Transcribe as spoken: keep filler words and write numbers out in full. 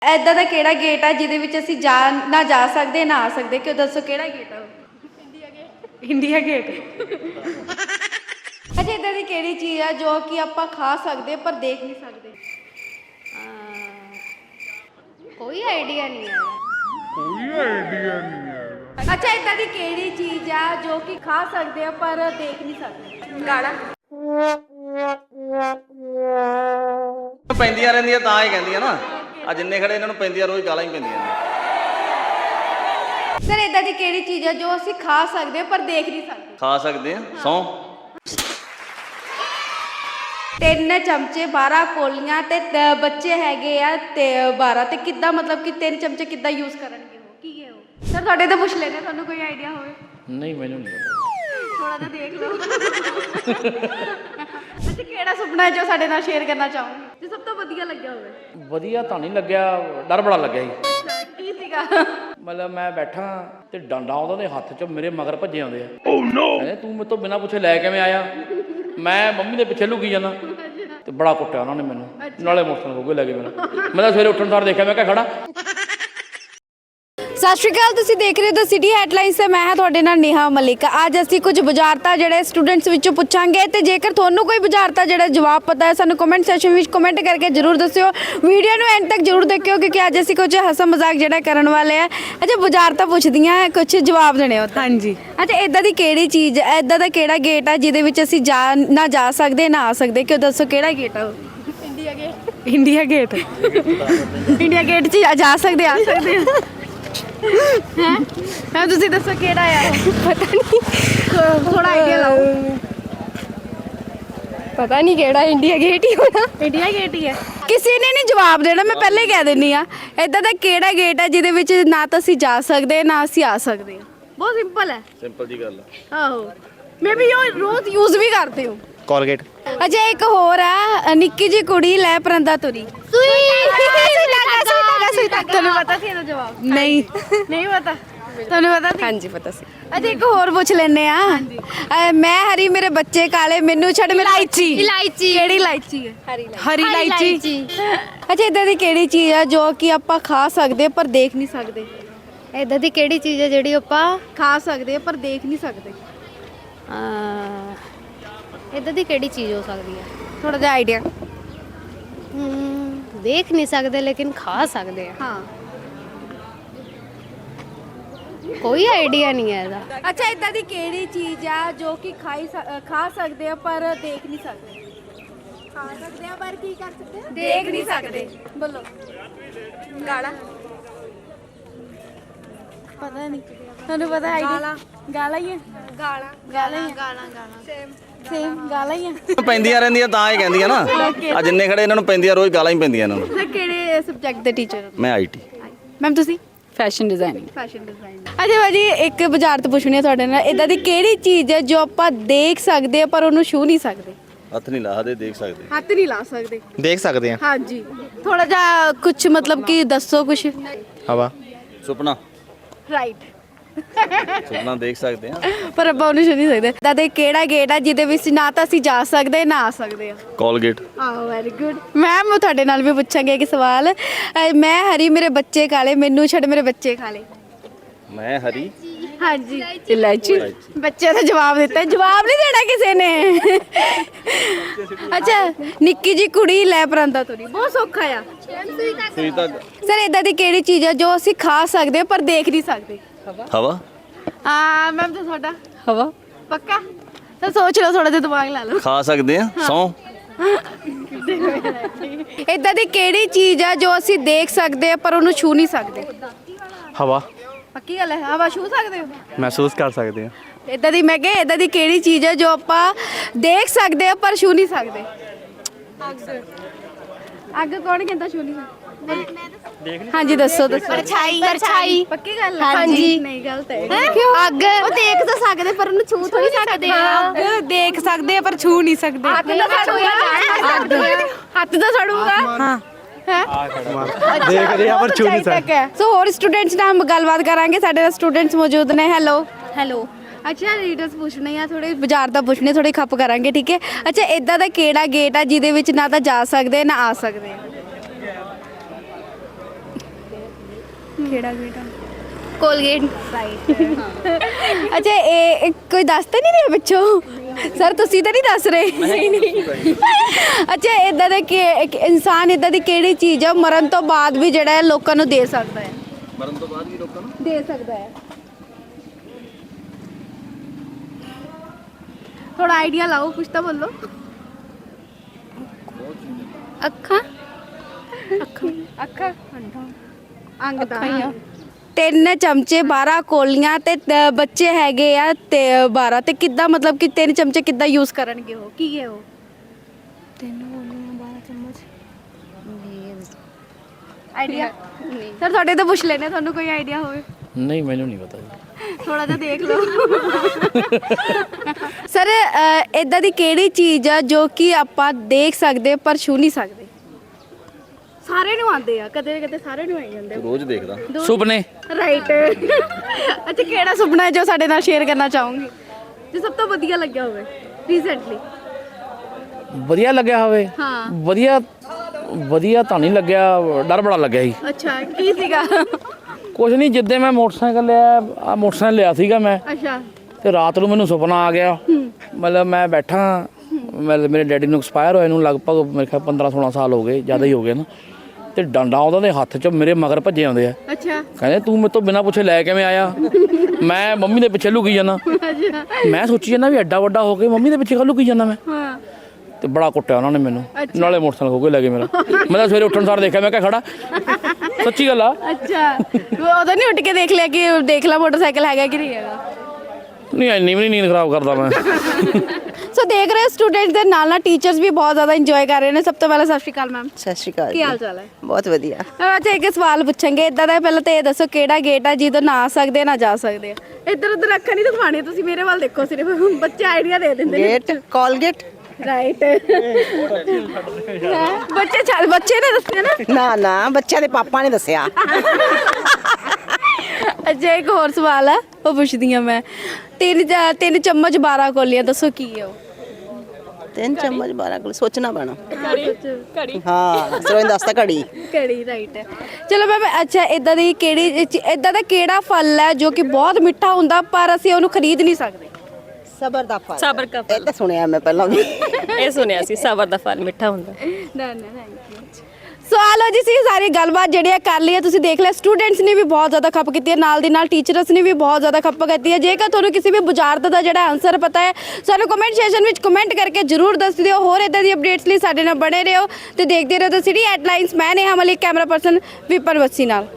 ऐदा दा केड़ा गेट है जिहदे विच असीं जा ना जा सकदे ना आ सकदे? क्यों दसो केड़ा गेट है? India gate. India gate. अच्छा, इदां दी केड़ी चीज़ है जो कि आपां खा सकदे पर देख नहीं सकदे? कोई आइडिया नहीं है। कोई आइडिया नहीं है। अच्छा, इदां दी केड़ी चीज़ है जो कि खा सकदे आ पर देख नहीं सकदे? गाड़ा। ਪੈਂਦੀਆਂ ਰਹਿੰਦੀਆਂ ਤਾਂ ਹੀ ਕਹਿੰਦੀਆਂ ਨਾ ਆ ਜਿੰਨੇ ਖੜੇ ਇਹਨਾਂ ਨੂੰ ਪੈਂਦੀਆਂ ਰੋਜ਼ ਗਾਲਾਂ ਹੀ ਪੈਂਦੀਆਂ ਨੇ। सर, इदां दी केड़ी चीज़ है जो असीं खा सकदे पर देख नहीं सकदे? ਖਾ ਸਕਦੇ ਆ ਸੌਂ। ਤਿੰਨ ਚਮਚੇ ਬਾਰਾਂ ਕੋਲੀਆਂ ਤੇ ਤ- ਬੱਚੇ ਹੈਗੇ ਆ ਤੇ ਬਾਰਾਂ ਤੇ ਕਿੱਦਾਂ ਮਤਲਬ ਕਿ ਤਿੰਨ ਚਮਚੇ ਕਿੱਦਾਂ ਯੂਜ਼ ਕਰਨਗੇ ਉਹ? ਕੀ ਹੈ ਉਹ? ਸਰ ਤੁਹਾਡੇ ਤੋਂ ਪੁੱਛ ਲੈਣੇ, ਤੁਹਾਨੂੰ ਕੋਈ ਆਈਡੀਆ ਹੋਵੇ? ਨਹੀਂ ਮੈਨੂੰ ਨਹੀਂ ਪਤਾ। ਥੋੜਾ ਜਿਹਾ ਦੇਖ ਲਓ। ਅੱਛਾ, ਕਿਹੜਾ ਸੁਪਨਾ ਹੈ ਜੋ ਸਾਡੇ ਨਾਲ ਸ਼ੇਅਰ ਕਰਨਾ ਚਾਹੋਗੇ, ਜੋ ਸਭ ਤੋਂ ਵਧੀਆ ਲੱਗਿਆ ਹੋਵੇ? ਵਧੀਆ ਤਾਂ ਨਹੀਂ ਲੱਗਿਆ, ਡਰ ਬੜਾ ਲੱਗਿਆ ਸੀ। ਅੱਛਾ, ਕੀ ਸੀਗਾ? ਮਤਲਬ ਮੈਂ ਬੈਠਾ ਤੇ ਡੰਡਾ ਉਹਨਾਂ ਦੇ ਹੱਥ 'ਚ ਮੇਰੇ ਮਗਰ ਭੱਜੇ ਆਉਂਦੇ ਆ। ਓ ਨੋ, ਕਹਿੰਦੇ ਤੂੰ ਮੇਰੇ ਤੋਂ ਬਿਨਾਂ ਪੁੱਛੇ ਲੈ ਕਿਵੇਂ ਆਇਆ? ਮੈਂ ਮੰਮੀ ਦੇ ਪਿੱਛੇ ਲੁਕੀ ਜਾਂਦਾ ਤੇ ਬੜਾ ਕੁੱਟਿਆ ਉਹਨਾਂ ਨੇ ਮੈਨੂੰ, ਨਾਲੇ ਮੋਟਰਸਾਈਕਲ ਹੋ ਗਏ ਲੈ ਕੇ ਮੈਨੂੰ। ਮੈਂ ਤਾਂ ਸਵੇਰੇ ਉੱਠਣ ਸਾਰ ਦੇਖਿਆ, ਮੈਂ ਕਿਹਾ ਖੜਾ। ਸਤਿ ਸ਼੍ਰੀ ਅਕਾਲ, ਤੁਸੀਂ ਦੇਖ ਰਹੇ ਹੋ ਦ ਸਿਟੀ ਹੈਡਲਾਈਨਸ ਤੇ ਮੈਂ ਹਾਂ ਤੁਹਾਡੇ ਨਾਲ ਨੇਹਾ ਮਲਿਕ। ਅੱਜ ਅਸੀਂ ਕੁਝ ਬੁਝਾਰਤਾਂ ਜਿਹੜੇ ਸਟੂਡੈਂਟਸ ਵਿੱਚੋਂ ਪੁੱਛਾਂਗੇ ਤੇ ਜੇਕਰ ਤੁਹਾਨੂੰ ਕੋਈ ਬੁਝਾਰਤਾਂ ਜਿਹੜਾ ਜਵਾਬ ਪਤਾ ਹੈ ਸਾਨੂੰ ਕਮੈਂਟ ਸੈਕਸ਼ਨ ਵਿੱਚ ਕਮੈਂਟ ਕਰਕੇ ਜ਼ਰੂਰ ਦੱਸਿਓ। ਵੀਡੀਓ ਨੂੰ ਐਂਡ ਤੱਕ ਜ਼ਰੂਰ ਦੇਖਿਓ ਕਿਉਂਕਿ ਅੱਜ ਅਸੀਂ ਕੁਝ ਹੱਸਾ ਮਜ਼ਾਕ ਜਿਹੜਾ ਕਰਨ ਵਾਲੇ ਆ। ਅੱਛਾ, ਬੁਝਾਰਤਾਂ ਪੁੱਛਦੀਆਂ ਕੁਝ ਜਵਾਬ ਦੇਣੇ ਹੋ? ਹਾਂਜੀ। ਅੱਛਾ, ਇਦਾਂ ਦੀ ਕਿਹੜੀ ਚੀਜ਼, ਇਦਾਂ ਦਾ ਕਿਹੜਾ ਗੇਟ ਹੈ ਜਿਹਦੇ ਵਿੱਚ ਅਸੀਂ ਜਾ ਨਾ ਜਾ ਸਕਦੇ ਨਾ ਆ ਸਕਦੇ? ਕਿਉਂ ਦੱਸੋ ਕਿਹੜਾ ਗੇਟ ਹੈ ਉਹ? India gate. India gate. India gate 'ਚ ਜਾ ਸਕਦੇ ਆ ਸਕਦੇ ਆ? ਹੈ ਤੁਸੀਂ ਦੱਸੋ ਕਿਹੜਾ ਆ? ਪਤਾ ਨਹੀਂ, ਥੋੜਾ ਆਈਡੀਆ ਲਾਓ। पता नहीं केड़ा, इंडिया गेट ही होना। ਇੰਡੀਆ ਗੇਟ ਹੀ ਹੈ। ਕਿਸੇ ਨੇ ਨਹੀਂ ਜਵਾਬ ਦੇਣਾ, ਮੈਂ ਪਹਿਲੇ ਕਹਿ ਦਿੰਨੀ ਆ। ਇਦਾਂ ਦਾ ਕਿਹੜਾ ਗੇਟ ਹੈ ਜਿਹਦੇ ਵਿੱਚ ਨਾ ਤਾਂ ਅਸੀਂ ਜਾ ਸਕਦੇ ਨਾ ਅਸੀਂ ਆ ਸਕਦੇ ਆ? ਬਹੁਤ ਸਿੰਪਲ ਹੈ। ਸਿੰਪਲ ਜੀ ਗੱਲ ਆ। ਆਹੋ, ਮੈਂ ਵੀ ਉਹ ਰੋਜ਼ ਯੂਜ਼ ਵੀ ਕਰਦੇ ਹਾਂ। ਕੋਲਗੇਟ। ਅੱਛਾ, ਇੱਕ ਹੋਰ ਆ, ਨਿੱਕੀ ਜਿਹੀ ਕੁੜੀ ਲੈ ਪਰੰਦਾ ਤੁਰੀ। ਤੁਹਾਨੂੰ ਪਤਾ ਸੀ ਇਹਦਾ ਜਵਾਬ? ਨਹੀਂ ਨਹੀਂ ਪਤਾ। ਤੁਹਾਨੂੰ ਪਤਾ ਸੀ? ਹਾਂਜੀ पता सी। ਅੱਛਾ, ਇੱਕ ਹੋਰ ਪੁੱਛ ਲੈਨੇ ਆ। ਅ, ਮੈਂ ਹਰੀ ਮੇਰੇ ਬੱਚੇ ਕਾਲੇ, ਮੈਨੂੰ ਛੱਡ ਮੇਰੀ ਇਲਾਇਚੀ। इलायची। ਕਿਹੜੀ ਇਲਾਇਚੀ ਹੈ? हरी ਹਰੀ ਇਲਾਇਚੀ। ਅੱਛਾ, ਇਦਾਂ ਦੀ ਕਿਹੜੀ ਚੀਜ਼ ਆ ਜੋ ਕਿ ਆਪਾਂ ਖਾ ਸਕਦੇ ਪਰ ਦੇਖ ਨਹੀਂ ਸਕਦੇ? इदां दी केड़ी चीज़ है जेड़ी आपां ਖਾ ਸਕਦੇ ਪਰ ਦੇਖ ਨਹੀਂ ਸਕਦੇ? इदां दी केड़ी चीज़ हो सकदी है? ਥੋੜਾ ਜਿਹਾ ਆਈਡੀਆ। हम्म, देख नहीं सकदे लेकिन खा सकदे हैं। ਹਾਂ। कोई आइडिया नहीं है इहदा। ਅੱਛਾ, ਇਦਾਂ ਦੀ ਕਿਹੜੀ ਚੀਜ਼ ਆ ਜੋ ਕਿ ਖਾਈ ਸ- ਖਾ ਸਕਦੇ ਆ ਪਰ ਦੇਖ ਨਹੀਂ ਸਕਦੇ? ਖਾ ਸਕਦੇ ਆ ਪਰ ਕੀ ਕਰ ਸਕਦੇ ਆ? ਦੇਖ ਨਹੀਂ ਸਕਦੇ। ਬੋਲੋ। ਗਾਲਾ। ਪਤਾ ਨਹੀਂ, ਤੁਹਾਨੂੰ ਪਤਾ ਹੈ? ਗਾਲਾ। ਗਾਲਾ ਹੀ ਹੈ। ਗਾਲਾ ਗਾਲਾ ਗਾਲਾ ਗਾਲਾ ਸੇਮ ਸੇਮ ਗਾਲਾ ਹੀ ਹੈ। ਪੈਂਦੀਆਂ ਰਹਿੰਦੀਆਂ ਤਾਂ ਹੀ ਕਹਿੰਦੀਆਂ ਨਾ ਆ ਜਿੰਨੇ ਖੜੇ ਇਹਨਾਂ ਨੂੰ ਪੈਂਦੀਆਂ ਰੋਜ਼ ਗਾਲਾਂ ਹੀ ਪੈਂਦੀਆਂ ਇਹਨਾਂ ਨੂੰ। ਸਰ, ਕਿਹੜੇ ਸਬਜੈਕਟ ਦੇ ਟੀਚਰ ਹੋ? ਮੈਂ ਆਈਟੀ। ਮੈਮ ਤੁਸੀਂ? Fashion designing. Fashion design. ਅੱਛਾ ਭਾਜੀ, ਇੱਕ ਬੁਝਾਰਤ ਪੁੱਛਣੀ ਹੈ ਤੁਹਾਡੇ ਨਾਲ। ਇਦਾਂ ਦੀ ਕਿਹੜੀ ਚੀਜ਼ ਹੈ ਜੋ ਆਪਾਂ ਦੇਖ ਸਕਦੇ ਆ ਪਰ ਉਹਨੂੰ ਛੂ ਨਹੀਂ ਸਕਦੇ? ਹੱਥ ਨਹੀਂ ਲਾਹਦੇ, ਦੇਖ ਸਕਦੇ। ਹੱਥ ਨਹੀਂ ਲਾ ਸਕਦੇ। ਦੇਖ ਸਕਦੇ ਆ। ਹਾਂਜੀ, ਥੋੜਾ ਜਿਹਾ ਕੁਝ ਮਤਲਬ ਕਿ ਦੱਸੋ ਕੁਝ। ਹਵਾ। ਸੁਪਨਾ। ਰਾਈਟ। ਸੁਪਨਾ ਦੇਖ ਸਕਦੇ ਆ ਪਰ ਆਪਾਂ ਉਹਨੂੰ ਛੂ ਨਹੀਂ ਸਕਦੇ। ਇਦਾਂ ਦੇ ਕਿਹੜਾ ਗੇਟ ਹੈ ਜਿਹਦੇ ਵਿੱਚ ਨਾ ਤਾਂ ਅਸੀਂ ਜਾ ਸਕਦੇ ਨਾ ਆ ਸਕਦੇ ਆ? ਕੋਲਗੇਟ। ਆਹ ਵੈਰੀ ਗੁੱਡ। ਮੈਮ, ਤੁਹਾਡੇ ਨਾਲ ਵੀ ਪੁੱਛਾਂਗੇ ਇੱਕ ਸਵਾਲ। ਅਹ, ਮੈਂ ਹਰੀ ਮੇਰੇ ਬੱਚੇ ਕਾਲੇ, ਮੈਨੂੰ ਛੱਡ ਮੇਰੇ ਬੱਚੇ ਖਾਲੇ। ਮੈਂ ਹਰੀ ਹਾਂਜੀ। ਇਲਾਇਚੀ। ਬੱਚੇ ਦਾ ਜਵਾਬ ਦਿੱਤਾ, ਜਵਾਬ ਨਹੀਂ ਦੇਣਾ ਕਿਸੇ ਨੇ। ਅੱਛਾ, ਨਿੱਕੀ ਜੀ ਕੁੜੀ ਲੈ ਪਰਾਂਦਾ ਤੁਰੀ। ਬਹੁਤ ਸੌਖਾ ਆ। ਸੂਈ ਤੱਕ। ਸਰ, ਇਦਾਂ ਦੀ ਕਿਹੜੀ ਚੀਜ਼ ਹੈ ਜੋ ਅਸੀਂ ਖਾ ਸਕਦੇ ਪਰ ਦੇਖ ਨਹੀਂ ਸਕਦੇ? ਹਵਾ। ਹਾਂ ਮੈਮ, ਤੇ ਤੁਹਾਡਾ? ਹਵਾ। ਪੱਕਾ? ਤਾਂ ਸੋਚ ਲਓ, ਥੋੜਾ ਜਿਹਾ ਦਿਮਾਗ ਲਾ ਲਓ। ਖਾ ਸਕਦੇ ਆ ਸੌਂ। ਇਦਾਂ ਦੀ ਕਿਹੜੀ ਚੀਜ਼ ਹੈ ਜੋ ਅਸੀਂ ਦੇਖ ਸਕਦੇ ਪਰ ਉਹਨੂੰ ਛੂ ਨਹੀਂ ਸਕਦੇ? ਹਵਾ। ਪੱਕੀ ਗੱਲ ਹੈ, ਹਵਾ ਛੂ ਸਕਦੇ ਹੋ? ਮਹਿਸੂਸ ਕਰ ਸਕਦੇ ਆ। ਇਦਾਂ ਦੀ, ਮੈਂ ਕਿਹਾ ਇਦਾਂ ਦੀ ਕਿਹੜੀ ਚੀਜ਼ ਹੈ ਜੋ ਆਪਾਂ ਦੇਖ ਸਕਦੇ ਆ ਪਰ ਛੂ ਨਹੀਂ ਸਕਦੇ? ਅੱਗ ਕੌਣ ਕਹਿੰਦਾ ਛੂ ਨਹੀਂ ਸਕਦੇ? ਹਾਂਜੀ, ਦੱਸੋ ਦੱਸੋ। परछाई। परछाई। ਪੱਕੀ ਗੱਲ ਹੈ? ਹਾਂਜੀ। ਨਹੀਂ, ਗਲਤ ਹੈ। ਅੱਗ ਉਹ ਦੇਖ ਤਾਂ ਸਕਦੇ ਪਰ ਉਹਨੂੰ ਛੂ ਥੋੜੀ ਸਕਦੇ ਆ। ਦੇਖ ਸਕਦੇ ਆ ਪਰ ਛੂ ਨਹੀਂ ਸਕਦੇ। ਹੱਥ ਤਾਂ ਸੜੂਗਾ। ਹੱਥ ਤਾਂ ਸੜੂਗਾ। ਹਾਂ। ਦੇਖ ਰਹੇ ਆ ਪਰ ਛੂ ਨਹੀਂ ਸਕਦੇ। ਸੋ ਹੋਰ ਸਟੂਡੈਂਟਸ ਨਾਲ ਹਮ ਗੱਲਬਾਤ ਕਰਾਂਗੇ। ਸਾਡੇ ਨਾਲ ਸਟੂਡੈਂਟਸ ਮੌਜੂਦ ਨੇ। ਹੈਲੋ। ਹੈਲੋ। ਅੱਛਾ, ਰੀਡਰਸ ਪੁੱਛਣੇ ਆ, ਥੋੜੇ ਬਾਜ਼ਾਰ ਦਾ ਪੁੱਛਣੇ, ਥੋੜੇ ਖੱਪ ਕਰਾਂਗੇ, ਠੀਕ ਹੈ? ਅੱਛਾ, ਇਦਾਂ ਦਾ ਕਿਹੜਾ ਗੇਟ ਆ ਜਿਹਦੇ ਵਿੱਚ ਨਾ ਤਾਂ ਜਾ ਸਕਦੇ ਨਾ ਆ ਸਕਦੇ? ਕਿਹੜਾ ਕਿਹੜਾ ਕੋਲਗੇਟ ਅੱਛਾ ਇਹ ਇਹ ਕੋਈ ਦੱਸ ਤਾਂ ਨਹੀਂ ਰਿਹਾ ਪਿੱਛੋਂ ਸਰ ਤੁਸੀਂ ਤਾਂ ਨਹੀਂ ਦੱਸ ਰਹੇ ਅੱਛਾ ਇਦਾਂ ਦਾ ਕਿ ਇੱਕ ਇਨਸਾਨ ਇਦਾਂ ਦੀ ਕਿਹੜੀ ਚੀਜ਼ ਹੈ ਮਰਨ ਤੋਂ ਬਾਅਦ ਵੀ ਜਿਹੜਾ ਹੈ ਲੋਕਾਂ ਨੂੰ ਦੇ ਸਕਦਾ ਹੈ ਮਰਨ ਤੋਂ ਬਾਅਦ ਵੀ ਲੋਕਾਂ ਨੂੰ ਦੇ ਸਕਦਾ ਹੈ ਥੋੜਾ ਆਈਡੀਆ ਲਾਓ ਕੁਛ ਤਾਂ ਬੋਲੋ ਅੱਖਾਂ ਅੱਖਾਂ ਅੰਗ ਦਾ ਤਿੰਨ ਚਮਚੇ ਬਾਰਾਂ ਕੋਲੀਆਂ ਤੇ ਤ- ਬੱਚੇ ਹੈਗੇ ਆ ਤੇ ਬਾਰਾਂ ਤੇ ਕਿੱਦਾਂ ਮਤਲਬ ਕਿ ਤਿੰਨ ਚਮਚੇ ਕਿੱਦਾਂ ਯੂਜ਼ ਕਰਨਗੇ ਉਹ ਕੀ ਹੈ ਉਹ ਤਿੰਨ ਬੋਲੀਆਂ ਬਾਰਾਂ ਚਮਚ ਆਈਡੀਆ ਸਰ ਤੁਹਾਡੇ ਤੋਂ ਪੁੱਛ ਲੈਣੇ ਤੁਹਾਨੂੰ ਕੋਈ ਆਈਡੀਆ ਹੋਵੇ ਨਹੀਂ ਮੈਨੂੰ ਨਹੀਂ ਪਤਾ ਜੀ ਥੋੜਾ ਜਿਹਾ ਦੇਖ ਲਓ ਸਰ ਇਦਾਂ ਦੀ ਕਿਹੜੀ ਚੀਜ਼ ਆ ਜੋ ਕਿ ਆਪਾਂ ਦੇਖ ਸਕਦੇ ਪਰ ਛੂ ਨਹੀਂ ਸਕਦੇ ਸਾਰੇ ਨੂੰ ਆਉਂਦੇ ਆ ਕਦੇ ਕਦੇ ਸਾਰੇ ਨੂੰ ਆਈ ਜਾਂਦੇ ਰੋਜ਼ ਦੇਖਦਾ ਸੁਪਨੇ ਰਾਈਟ ਅੱਛਾ ਕਿਹੜਾ ਸੁਪਨਾ ਹੈ ਜੋ ਸਾਡੇ ਨਾਲ ਸ਼ੇਅਰ ਕਰਨਾ ਚਾਹੋਗੇ ਜੋ ਸਭ ਤੋਂ ਵਧੀਆ ਲੱਗਿਆ ਹੋਵੇ ਰੀਸੈਂਟਲੀ ਵਧੀਆ ਲੱਗਿਆ ਹੋਵੇ ਹਾਂ ਵਧੀਆ ਵਧੀਆ ਤਾਂ ਨਹੀਂ ਲੱਗਿਆ ਡਰ ਬੜਾ ਲੱਗਿਆ ਸੀ ਅੱਛਾ ਕੀ ਸੀਗਾ ਕੁਛ ਨਹੀਂ ਜਿੱਦੇ ਮੈਂ ਮੋਟਰਸਾਈਕਲ ਲਿਆ ਆ ਮੋਟਰਸਾਈਕਲ ਲਿਆ ਸੀਗਾ ਮੈਂ ਅੱਛਾ ਤੇ ਰਾਤ ਨੂੰ ਮੈਨੂੰ ਸੁਪਨਾ ਆ ਗਿਆ ਮਤਲਬ ਮੈਂ ਬੈਠਾ ਮਤਲਬ ਮੇਰੇ ਡੈਡੀ ਨੂੰ ਐਕਸਪਾਇਰ ਹੋਏ ਨੂੰ ਲਗਭਗ ਮੇਰੇ ਖਿਆਲ ਪੰਦਰਾਂ ਸੋਲਾਂ ਸਾਲ ਹੋ ਗਏ ਜ਼ਿਆਦਾ ਹੀ ਹੋ ਗਏ ਨਾ ਤੇ ਡੰਡਾ ਉਹਨਾਂ ਦੇ ਹੱਥ 'ਚ ਮੇਰੇ ਮਗਰ ਭੱਜੇ ਆਉਂਦੇ ਆ ਅੱਛਾ ਕਹਿੰਦੇ ਤੂੰ ਮੇਰੇ ਤੋਂ ਬਿਨਾਂ ਪੁੱਛੇ ਲੈ ਕਿਵੇਂ ਆਇਆ ਮੈਂ ਮੰਮੀ ਦੇ ਪਿੱਛੇ ਲੁਕੀ ਜਾਂਦਾ ਮੈਂ ਸੋਚੀ ਜਾਂਦਾ ਵੀ ਐਡਾ ਵੱਡਾ ਹੋ ਕੇ ਮੰਮੀ ਦੇ ਪਿੱਛੇ ਲੁਕੀ ਜਾਂਦਾ ਮੈਂ ਹਾਂ ਤੇ ਬੜਾ ਕੁੱਟਿਆ ਉਹਨਾਂ ਨੇ ਮੈਨੂੰ ਨਾਲੇ ਮੋਟਰਸਾਈਕਲ ਖੋ ਕੇ ਲੈ ਗਏ ਮੇਰਾ ਮੈਂ ਤਾਂ ਸਵੇਰੇ ਉੱਠਣ ਸਾਰ ਦੇਖਿਆ ਮੈਂ ਕਿਹਾ ਖੜਾ ਸੱਚੀ ਗੱਲ ਆ ਅੱਛਾ ਉਦੋਂ ਨਹੀਂ ਉੱਠ ਕੇ ਦੇਖ ਲਿਆ ਕਿ ਦੇਖ ਲਾ ਮੋਟਰਸਾਈਕਲ ਹੈਗਾ ਕਿ ਨਹੀਂ ਹੈਗਾ ਨਹੀਂ ਇੰਨੀ ਵੀ ਨਹੀਂ ਨੀਂਦ ਖਰਾਬ ਕਰਦਾ ਮੈਂ ਸੋ ਦੇਖ ਰਹੇ ਸਟੂਡੈਂਟਸ ਦੇ ਨਾਲ ਨਾਲ ਟੀਚਰਸ ਵੀ ਬਹੁਤ ਜ਼ਿਆਦਾ ਇੰਜੋਏ ਕਰ ਰਹੇ ਨੇ ਸਭ ਤੋਂ ਪਹਿਲਾਂ ਸਤਿ ਸ਼੍ਰੀ ਅਕਾਲ ਮੈਮ ਸਤਿ ਸ਼੍ਰੀ ਅਕਾਲ ਕੀ ਹਾਲ ਚਾਲ ਹੈ ਬਹੁਤ ਵਧੀਆ ਮੈਮ ਅੱਛਾ ਇੱਕ ਸਵਾਲ ਪੁੱਛਾਂਗੇ ਇਦਾਂ ਦਾ ਪਹਿਲਾਂ ਤਾਂ ਇਹ ਦੱਸੋ ਕਿਹੜਾ ਗੇਟ ਆ ਜਿਹਦੋਂ ਨਾ ਆ ਸਕਦੇ ਨਾ ਜਾ ਸਕਦੇ ਆ ਇੱਧਰ ਉੱਧਰ ਅੱਖਾਂ ਨਹੀਂ ਦਿਖਾਣੀ ਤੁਸੀਂ ਮੇਰੇ ਵੱਲ ਦੇਖੋ ਸਿਰਫ ਬੱਚੇ ਆਈਡੀਆ ਦੇ ਦਿੰਦੇ ਨੇ ਗੇਟ ਕੋਲਗੇਟ ਰਾਈਟ ਬੱਚੇ ਚੱਲ ਬੱਚੇ ਨੇ ਦੱਸਿਆ ਨਾ ਨਾ ਨਾ ਬੱਚਿਆਂ ਦੇ ਪਾਪਾ ਨੇ ਦੱਸਿਆ ਅੱਛਾ ਇੱਕ ਹੋਰ ਸਵਾਲ ਹੈ ਉਹ ਪੁੱਛਦੀ ਆ ਮੈਂ ਤਿੰਨ ਚ- ਤਿੰਨ ਚਮਚ ਬਾਰਾਂ ਕੋਲੀਆਂ ਦੱਸੋ ਕੀ ਹੈ ਉਹ ਤਿੰਨ ਚਮਚ ਬਾਰਾਂ ਕੋਲ ਸੋਚਣਾ ਪੈਣਾ ਘੜੀ ਹਾਂ ਸਰੋਂ ਦੱਸਦਾ ਘੜੀ ਕਿਹੜੀ ਰਾਈਟ ਹੈ ਚਲੋ ਮੈਮ ਅੱਛਾ ਇਦਾਂ ਦੀ ਕਿਹੜੀ ਇਦਾਂ ਦਾ ਕਿਹੜਾ ਫਲ ਹੈ ਜੋ ਕਿ ਬਹੁਤ ਮਿੱਠਾ ਹੁੰਦਾ ਪਰ ਅਸੀਂ ਉਹਨੂੰ ਖਰੀਦ ਨਹੀਂ ਸਕਦੇ ਸਬਰ ਦਾ ਫਲ ਸਬਰ ਦਾ ਇਹ ਤਾਂ ਸੁਣਿਆ ਮੈਂ ਪਹਿਲਾਂ ਵੀ ਇਹ ਸੁਣਿਆ ਸੀ ਸਬਰ ਦਾ ਫਲ ਮਿੱਠਾ ਹੁੰਦਾ ਨਾ ਨਾ ਥੈਂਕ ਯੂ ਸਵਾਲ ਜੀ ਸੀ ਸਾਰੀ ਗੱਲਬਾਤ ਜਿਹੜੀਆਂ ਕਰ ਲਈ ਹੈ ਤੁਸੀਂ ਦੇਖ ਲਿਆ ਸਟੂਡੈਂਟਸ ਨੇ ਵੀ ਬਹੁਤ ਜ਼ਿਆਦਾ ਖੱਪ ਕੀਤੀ ਹੈ ਨਾਲ ਦੀ ਨਾਲ ਟੀਚਰਸ ਨੇ ਵੀ ਬਹੁਤ ਜ਼ਿਆਦਾ ਖੱਪ ਕੀਤੀ ਹੈ ਜੇਕਰ ਤੁਹਾਨੂੰ ਕਿਸੇ ਵੀ ਬੁਝਾਰਤ ਦਾ ਜਿਹੜਾ ਆਨਸਰ ਪਤਾ ਹੈ ਸਾਨੂੰ ਕਮੈਂਟ ਸੈਕਸ਼ਨ ਵਿੱਚ ਕਮੈਂਟ ਕਰਕੇ ਜਰੂਰ ਦੱਸ ਦਿਓ ਹੋਰ ਇਦਾਂ ਦੀ ਅਪਡੇਟਸ ਲਈ ਸਾਡੇ ਨਾਲ ਬਣੇ ਰਹੋ ਤੇ ਦੇਖਦੇ ਰਹੋ ਦ ਸਿਟੀ ਹੈਡਲਾਈਨਸ ਮੈਂ ਨੇਹਾ ਮਲਿਕ ਕੈਮਰਾ ਪਰਸਨ ਵਿਪਨ ਬੱਸੀ ਨਾਲ